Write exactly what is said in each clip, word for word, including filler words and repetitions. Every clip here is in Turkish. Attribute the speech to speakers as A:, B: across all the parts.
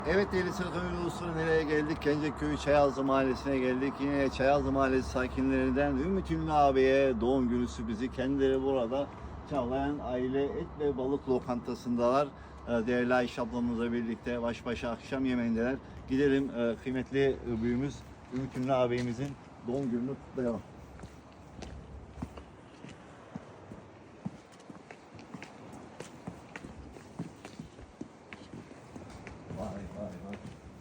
A: Evet değerli Sırkımi dostları, nereye geldik? Genceköy Çayazlı Mahallesi'ne geldik. Yine Çayazlı Mahallesi sakinlerinden Ümit Ünlü abiye doğum günü sürprizi. Kendileri burada Çağlayan Aile Et ve Balık Lokantası'ndalar. Değerli Ayşe ablamızla birlikte baş başa akşam yemeğindeler. Gidelim kıymetli büyüğümüz Ümit Ünlü abimizin doğum gününü kutlayalım. Vay vay vay.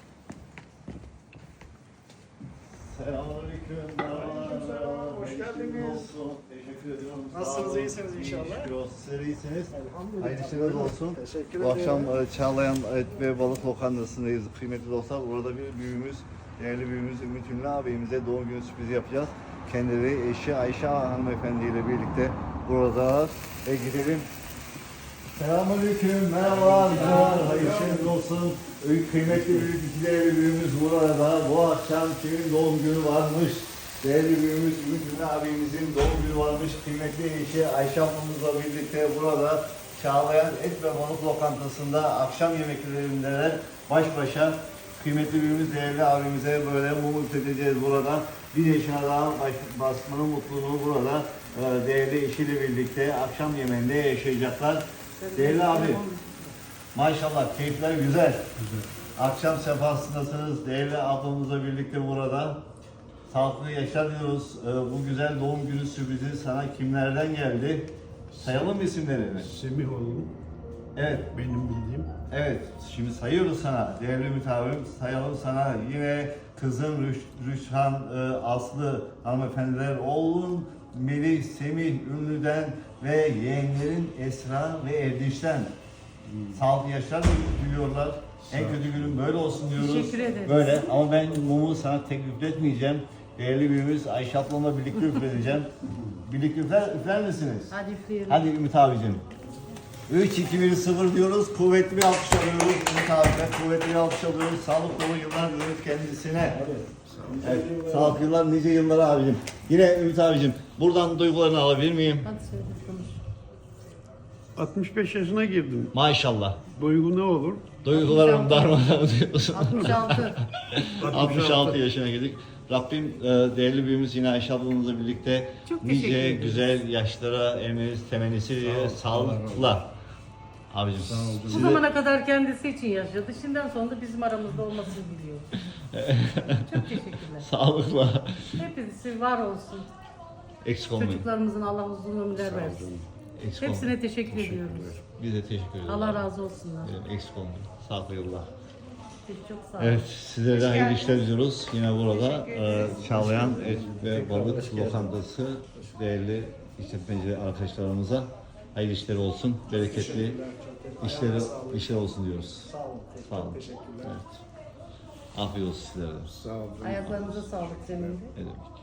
A: Selamünaleyküm.
B: Aleykümselam, hoş geldiniz.
A: Teşekkür ediyorum.
B: Nasılsınız, iyisiniz inşallah?
A: Şükür olsun. Sizler iyisiniz.
B: Elhamdülillah.
A: Hayırlı işler olsun.
B: Teşekkür
A: Bu
B: ederim.
A: akşam e, Çağlayan Et ve Balık Lokantası'ndayız kıymetli dostlar. Burada bir büyüğümüz, değerli büyüğümüz Ümit Ünlü ağabeyimize doğum günü sürprizi yapacağız. Kendileri eşi Ayşe hanımefendi ile birlikte burada ve gidelim. Selamünaleyküm, merhabalar, hayırlı işleriniz olsun. Kıymetli büyük, iki değerli büyüğümüz burada. Bu akşam kimin doğum günü varmış? Değerli büyüğümüz Ümit Ünlü abimizin doğum günü varmış. Kıymetli eşi Ayşe ablamızla birlikte burada Çağlayan Et ve Balık Lokantası'nda akşam yemeklerindeler. Baş başa kıymetli büyüğümüz değerli abimize böyle mumut edeceğiz burada. Bir yaşına daha baş, basmanın mutluluğunu burada e, değerli eşiyle birlikte akşam yemeğinde yaşayacaklar. Değerli abi, maşallah keyifler güzel. Güzel. Akşam sefasındasınız. Değerli ablamızla birlikte burada. Sağlıklı yaşar diyoruz. Ee, bu güzel doğum günü sürprizi sana kimlerden geldi? Sayalım mı isimlerini?
C: Semih oğlum,
A: Evet.
C: benim bildiğim.
A: Evet. Şimdi sayıyoruz sana. Değerli Ümit abim, sayalım sana. Yine kızın Rüş, Rüşhan, e, Aslı hanımefendiler, oğlun Melih, Semih Ünlü'den ve yeğenlerin Esra ve Erdinç'ten. Hmm. Sağlıklı yaşlar diliyorlar. En kötü günün böyle olsun diyoruz.
D: Teşekkür ederiz.
A: Böyle ama ben mumu sana tek üfletmeyeceğim. Değerli büyüğümüz Ayşe ablamla birlikte üfleteceğim. Birlikte üfler, üfler misiniz?
D: Hadi üfleyelim.
A: Hadi Ümit abicim. üç, iki, bir, sıfır diyoruz. Kuvvetli bir alkış alıyoruz. Ümit abime kuvvetli bir alkış alıyoruz. Sağlık dolu yıllar diliyoruz kendisine. Evet, sağlıklı yıllar, nice yıllar abicim. Yine Ümit abicim, buradan duygularını alabilir miyim?
D: Hadi söyle konuş.
C: altmış beş yaşına girdim.
A: Maşallah.
C: Duygu ne olur?
A: Duygularım darmadan diyorsun.
D: altmış altı.
A: altmış altı yaşına girdik. Rabbim e, değerli büyüğümüz yine Ayşe ablamızla birlikte
D: Çok teşekkür
A: nice
D: ederiz.
A: güzel yaşlara emeniz temennisi diye sağlıkla. Abicim.
D: Bu zamana kadar kendisi için yaşadı. Şimdiden sonra da bizim aramızda olmasını biliyor. Çok teşekkürler.
A: Sağlıkla.
D: Hepsi var olsun.
A: Eksik olmayın.
D: Çocuklarımızın Allah uzun ömürler versin.
A: Eksik
D: Hepsine
A: olmayın.
D: teşekkür, ediyoruz.
A: Biz de teşekkür ederiz.
D: Allah razı olsunlar.
A: Evet, eksik olmayın. Sağlıklı yıllar.
D: Siz çok sağ olun.
A: Evet, sizlere de hayırlı işler diliyoruz. Yine burada e, Çağlayan Et ve Balık Lokantası değerli işletmeci arkadaşlarımıza hayırlı işler olsun, bereketli işleri işler olsun diyoruz.
B: Sağ olun.
A: Sağ olun.
B: Teşekkürler.
A: Evet. Afiyet olsun sizlere de.
C: Sağ olun.
D: Ayaklarınıza sağlık senin de.
A: Ne demek.